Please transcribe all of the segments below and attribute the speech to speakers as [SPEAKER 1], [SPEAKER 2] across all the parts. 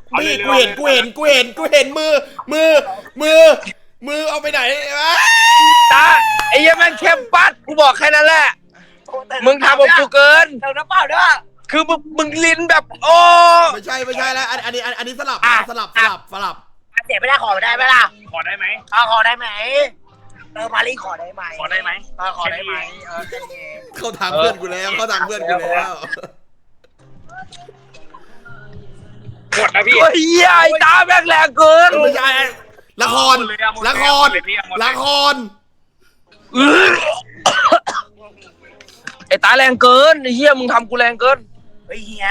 [SPEAKER 1] นี่กูเห็นมือเอาไปไหนวะ
[SPEAKER 2] ตาไอ้ยังแม่งเข้มปัดกูบอกแค่นั้นแหละมึงทำกับกูเกิน
[SPEAKER 3] เติมน้ำเปล่าด้วย
[SPEAKER 2] คือมึงลิ้นแบบโอ้
[SPEAKER 1] ไม่ใช่แล้วอันนี้สลับ
[SPEAKER 3] เสียไม่ได้ขอได้ไหมล่ะ
[SPEAKER 4] ขอได้ไหม
[SPEAKER 3] ขอได้ไหมมารีขอได้ไหม
[SPEAKER 4] ขอได้ไหม
[SPEAKER 3] ขอได้ไหม
[SPEAKER 1] เข้าทางเพื่อนกูแล้ว
[SPEAKER 4] หมดนะพี่
[SPEAKER 2] โอ้ยเหี้ยไอ้ตาแม่งแรงเกิน
[SPEAKER 1] ไม่ใช่ละคร
[SPEAKER 2] ไอ้ตาแรงเกินไอ้เหี้ยมึงทำกูแรงเกิน
[SPEAKER 3] เฮ้ยเฮีย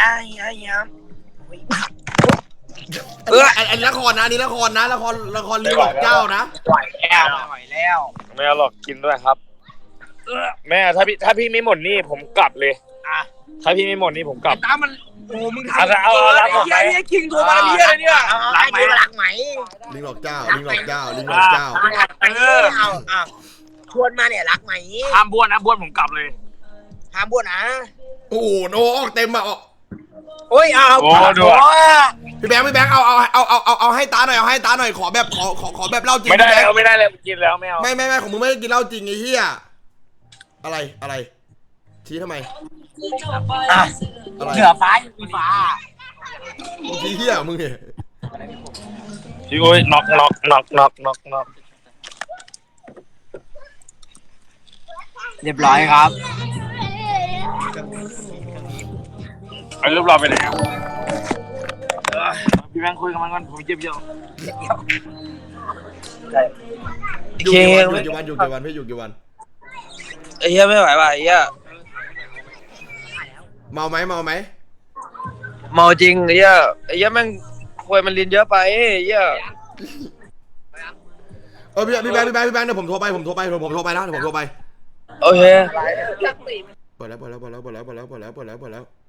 [SPEAKER 1] อันนี้ละครนะอันนี้ละครลิงหลอกเจ้านะ
[SPEAKER 3] ไหวแล้ว
[SPEAKER 4] ไม่เอาหรอกกินด้วยครับแม่ถ้าพี่ไม่หมดนี่ผมกลับเลยถ้าพี่ไม่หมดนี่ผมกลับ
[SPEAKER 2] ตามันโอ้มึงทำ
[SPEAKER 4] เอา
[SPEAKER 2] ไอ้เหี้ยไอ้คิงโทรมาเหี้ยอะไรเนี่ย
[SPEAKER 3] รักไหม
[SPEAKER 1] ลิงหลอกเจ้า
[SPEAKER 3] ชวนมาเนี่ยรักไหม
[SPEAKER 4] ห้ามบ้วนนะบ้วนผมกลับเลย
[SPEAKER 3] ห้ามบ้วนนะ
[SPEAKER 1] โอ้โหโนออกเต็มอ่ะ
[SPEAKER 3] โอ้ยเอา
[SPEAKER 1] พี่แบงค์เอาให้ตาหน่อยขอแบบเหล้าจริง
[SPEAKER 4] ไม่ได้เลยกินแล้วไม่เอา
[SPEAKER 1] ไม่ของมึงไม่ได้กินเหล้าจริงไอ้เหี้ยอะไรชี้ทำไมอะไร
[SPEAKER 3] เหนือฟ้าอยู่ฟ้า
[SPEAKER 1] ชี้เหี้ยมึงเนี่ย
[SPEAKER 4] พี่โอ้ยน็อก
[SPEAKER 3] เรียบร้อยครับ
[SPEAKER 4] ไอ้รูปเราไปไหนพี่แบงค์คุยกับมันก่อนผมเจ็บเยอะ
[SPEAKER 1] อยู่กี่วันพี่อยู่กี่วัน
[SPEAKER 2] ไอ้เหี้ยไม่ไหวว่ะไอ้เหี้ย
[SPEAKER 1] เมาไหม
[SPEAKER 2] เมาจริงไอ้เหี้ยแม่งควยมันลิ้นเยอะไปไอ้เหี้ย
[SPEAKER 1] พี่แบงค์เดี๋ยวผมโทรไปนะเดี๋ยวผมโทรไป
[SPEAKER 2] โอเค
[SPEAKER 1] เปิดแล้ว